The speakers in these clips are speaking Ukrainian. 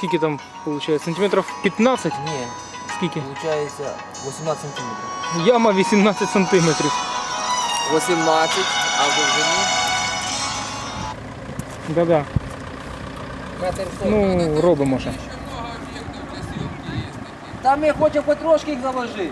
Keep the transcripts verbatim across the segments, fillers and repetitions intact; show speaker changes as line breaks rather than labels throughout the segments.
скільки там виходить? Сантиметрів п'ятнадцять?
Ні,
Скільки?
виходить вісімнадцять сантиметрів.
Яма вісімнадцять сантиметрів.
вісімнадцять, а в довжині?
Да-да.
Метр
Ну, робимо ще.
Та ми хочемо потрошки їх заложити.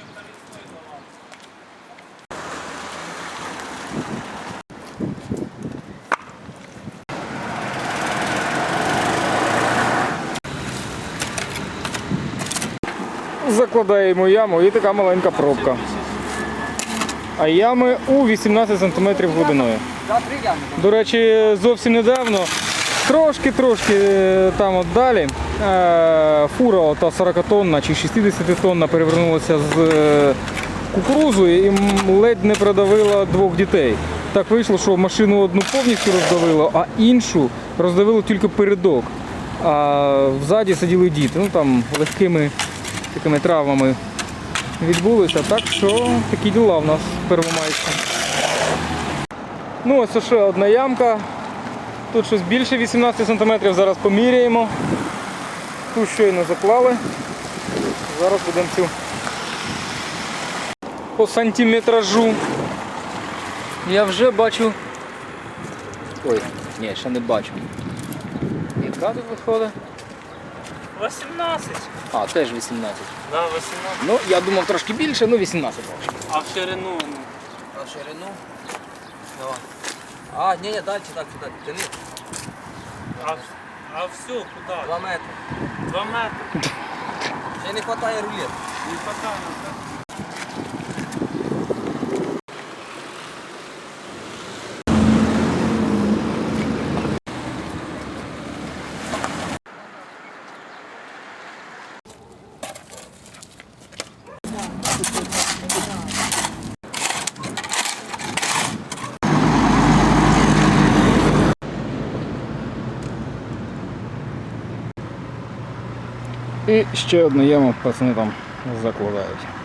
Закладаємо яму і така маленька пробка. А ями у вісімнадцять сантиметрів глибиною.
За три ями.
До речі, зовсім недавно, трошки-трошки там от далі, фура ота сорокатонна чи шістдесятитонна перевернулася з кукурузою і ледь не продавила двох дітей. Так вийшло, що машину одну повністю роздавило, а іншу роздавило тільки передок. А взаді сиділи діти. Ну там легкими такими травмами відбулися. Так що такі діла в нас в Первомайську. Ну ось ще одна ямка. Тут щось більше вісімнадцять сантиметрів, зараз поміряємо. Тут щойно заклали. Зараз будемо цю по сантиметражу. Я вже бачу... Ой, ні, ще не бачу. Яка тут виходить?
вісімнадцять.
А, теж вісімнадцять.
Да, вісімнадцять.
Ну, я думав трошки більше, ну вісімнадцять бачу.
А в ширину? Ну.
А в ширину? Давай. А, ні, ні, далі, так, сюди, тяни.
А, а все, куди?
Два метри.
Два метри.
Ще не вистачає рулет.
Не хватає.
І ще одну яму пацани там закладають.